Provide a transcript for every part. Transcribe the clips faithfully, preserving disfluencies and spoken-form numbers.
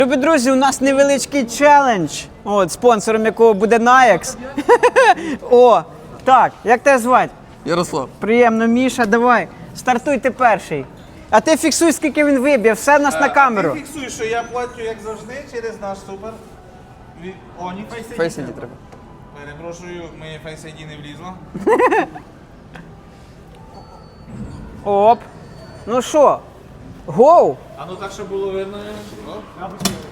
Любі друзі, у нас невеличкий челендж, от, спонсором якого буде Nayax. О, так, як тебе звати? Ярослав. Приємно, Міша, давай, стартуй ти перший. А ти фіксуй, скільки він виб'є, все в нас на камеру. А ти фіксуй, що я платю, як завжди, через наш супер. Від... О, ні, Face ай ді. Face ай ді треба. Перепрошую, моє Face ай ді не влізло. Оп. Ну що, гоу? А ну так, щоб було видно. О.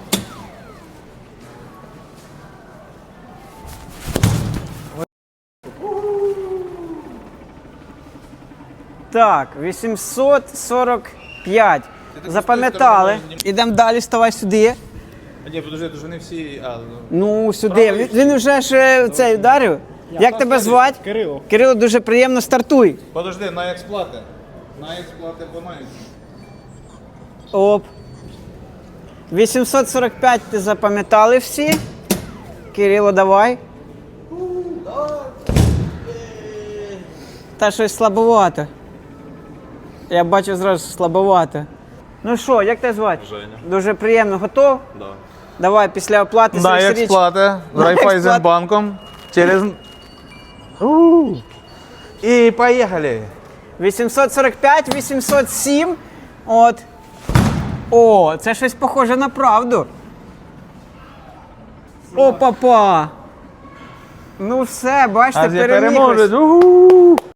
Так, вісімсот сорок п'ять. Запам'ятали. Ідемо далі, ставай сюди. А ні, подожди, то ж вони всі... А, ну. Ну, сюди. Він, він вже ж е, цей вдарив. Як тебе звати? Кирило. Кирило, дуже приємно, стартуй. Подожди, на експлати. На експлати по Nayax. Оп. вісімсот сорок п'ять ти запам'ятали всі. Кирило, давай. Та щось слабовато. Я бачу зразу слабовато. Ну що, як тебе звати? Женя. Дуже приємно. Готов? Да. Давай, після оплати На своїх річ. експлати. З На Райфайзенбанком. Через... У. І поїхали. вісімсот сорок п'ять, вісімсот сім. От. О, це щось похоже на правду. О, папа. Ну все, бачите, А я переміг. переможець. Уху.